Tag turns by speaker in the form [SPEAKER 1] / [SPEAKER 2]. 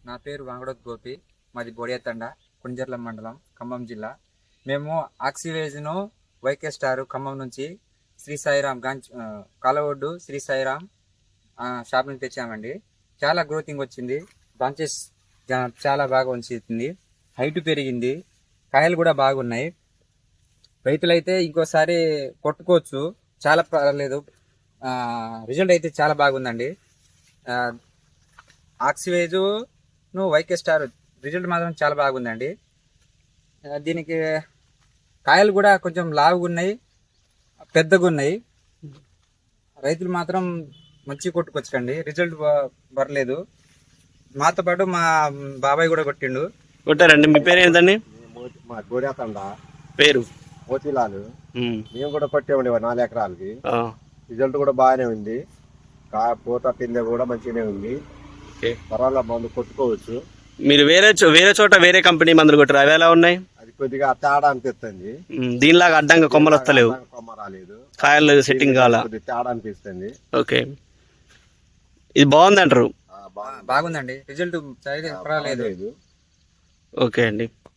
[SPEAKER 1] నా పేరు వాంగడోత్ గోపి. మాది బోడియాతండ, కుంజర్ల మండలం, ఖమ్మం జిల్లా. మేము ఆక్సివేజ్ను వైకే స్టార్ ఖమ్మం నుంచి శ్రీ సాయిరామ్ కాలవొడ్డు శ్రీ సాయిరామ్ షాప్ నుంచి తెచ్చామండి. చాలా గ్రోతింగ్ వచ్చింది. బ్రాంచెస్ చాలా బాగా వచ్చింది. హైట్ పెరిగింది. కాయలు కూడా బాగున్నాయి. రైతులైతే ఇంకోసారి కొట్టుకోవచ్చు. చాలా పర్లేదు. రిజల్ట్ అయితే చాలా బాగుందండి. ఆక్సివేజ్ వైకే స్టార్ రిజల్ట్ మాత్రం చాలా బాగుందండి. దీనికి కాయలు కూడా కొంచెం లావుగా ఉన్నాయి, పెద్దగా ఉన్నాయి. రైతులు మాత్రం మంచి కొట్టుకొచ్చండి. రిజల్ట్ పర్లేదు. మాతో పాటు మా బాబాయ్ కూడా కొట్టిండు.
[SPEAKER 2] కొట్టారండి. మీ పేరు ఏంటండి?
[SPEAKER 3] మా గోడేతండ
[SPEAKER 2] పేరు
[SPEAKER 3] మోతీలాలు. మేము కూడా కొట్టామండి 4 ఎకరాలకి. రిజల్ట్ కూడా బాగానే ఉంది. పూత పిందె కూడా మంచిగానే ఉంది. పర్వాలేదు, మందు కొట్టుకోవచ్చు.
[SPEAKER 2] మీరు వేరే చోట వేరే కంపెనీ మందులు కొట్టారు, అవి ఎలా ఉన్నాయి?
[SPEAKER 3] అది కొద్దిగా తేడా అనిపిస్తుంది.
[SPEAKER 2] దీనిలాగా అడ్డంగా కొమ్మలు వస్తలేవు,
[SPEAKER 3] కొమ్మ రాలేదు,
[SPEAKER 2] కాయలు సెట్టింగ్ కావాలా,
[SPEAKER 3] తేడా అనిపిస్తుంది.
[SPEAKER 2] ఓకే, ఇది బాగుంది అంటారు?
[SPEAKER 1] బాగుందండి. రిజల్ట్ పర్వాలేదు.
[SPEAKER 2] ఓకే అండి.